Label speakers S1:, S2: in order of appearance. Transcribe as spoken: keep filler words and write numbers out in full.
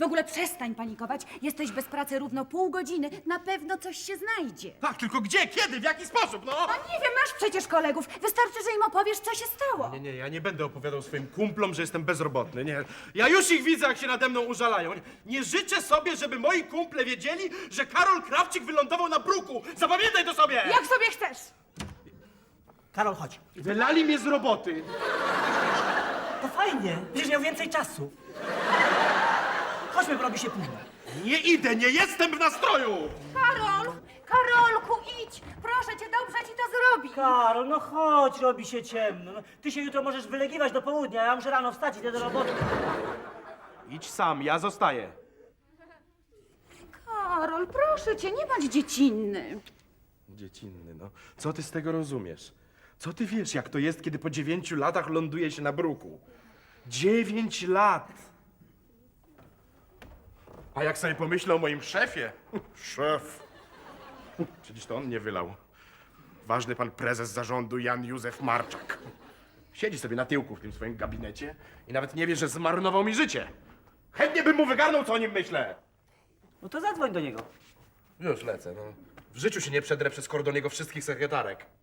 S1: W ogóle przestań panikować. Jesteś bez pracy równo pół godziny. Na pewno coś się znajdzie.
S2: Tak, tylko gdzie, kiedy, w jaki sposób, no?
S1: No nie wiem, masz przecież kolegów. Wystarczy, że im opowiesz, co się stało.
S2: Nie, nie, ja nie będę opowiadał swoim kumplom, że jestem bezrobotny, nie. Ja już ich widzę, jak się nade mną użalają. Nie, nie życzę sobie, żeby moi kumple wiedzieli, że Karol Krawczyk wylądował na bruku. Zapamiętaj to sobie!
S1: Jak sobie chcesz.
S3: Karol, chodź.
S2: Wylali mnie z roboty.
S3: To fajnie, będziesz miał więcej czasu. Chodźmy, bo robi się późno.
S2: Nie idę, nie jestem w nastroju!
S1: Karol! Karolku, idź! Proszę cię, dobrze ci to zrobi.
S3: Karol, no chodź, robi się ciemno. No, ty się jutro możesz wylegiwać do południa, ja muszę rano wstać i idę do roboty.
S2: Idź sam, ja zostaję.
S1: Karol, proszę cię, nie bądź dziecinny.
S2: Dziecinny, no. Co ty z tego rozumiesz? Co ty wiesz, jak to jest, kiedy po dziewięciu latach ląduje się na bruku? Dziewięć lat! A jak sobie pomyślę o moim szefie? Szef. Przecież to on mnie wylał. Ważny pan prezes zarządu Jan Józef Marczak. Siedzi sobie na tyłku w tym swoim gabinecie i nawet nie wie, że zmarnował mi życie. Chętnie bym mu wygarnął, co o nim myślę.
S3: No to zadzwoń do niego.
S2: Już lecę, no. W życiu się nie przedrę przez kordon jego wszystkich sekretarek.